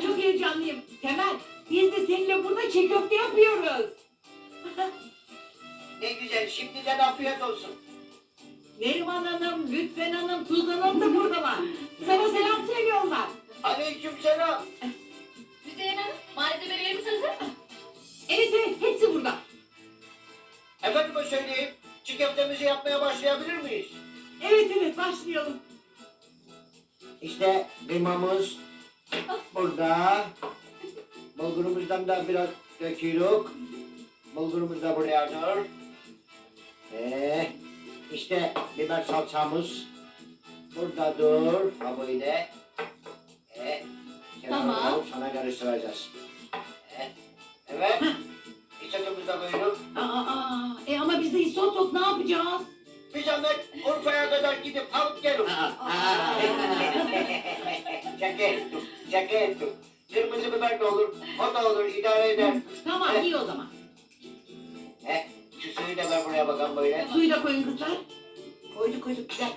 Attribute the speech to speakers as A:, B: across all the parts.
A: çok heyecanlıyım. Temel, biz de seninle burada çiğ köfte yapıyoruz.
B: Ne güzel, şimdiden afiyet olsun.
A: Neriman Hanım, Lütfen Hanım, Tuzan Hanım da buradalar. Sana selam söylüyorlar.
B: Aleykümselam.
C: Müzeyyen Hanım, malzemelerimiz hazır mı?
A: Evet evet, hepsi burada.
B: Efendime söyleyeyim, çiğ köftemizi yapmaya başlayabilir miyiz?
A: Evet evet, başlayalım.
B: İşte kıymamız burada. Bulgurumuzdan da biraz döküyoruz. Bulgurumuz da buraya dur. İşte biber salçamız burada dur. Ha böyle.
C: Tamam.
B: Sana karıştıracağız. Evet. İçetimizi de koyduk.
A: Ama biz de isot ne yapacağız?
B: Bir zahmet Urfa'ya kadar gidip alıp gelin. Şaka ettim, şaka ettim. Kırmızı biber de olur, o da olur, idare eder.
A: Tamam, iyi o zaman.
B: Şu suyu da ver buraya bakalım böyle.
A: Suyu da koyun kızlar.
C: Koyduk, bir dakika.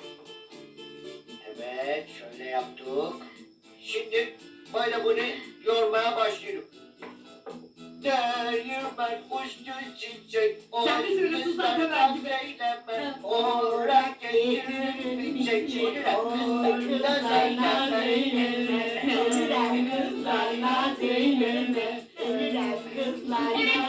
B: Evet, şöyle yaptık. Şimdi böyle bunu yoğurmaya başlıyorum. Değirmen uçtu çiçek.
A: Sen de söyle Suzan Temel gibi.
B: Zeynep, orak getirir bir çiçek.
C: Kızlarla Zeynep'e, kızlarla Zeynep'e, kızlarla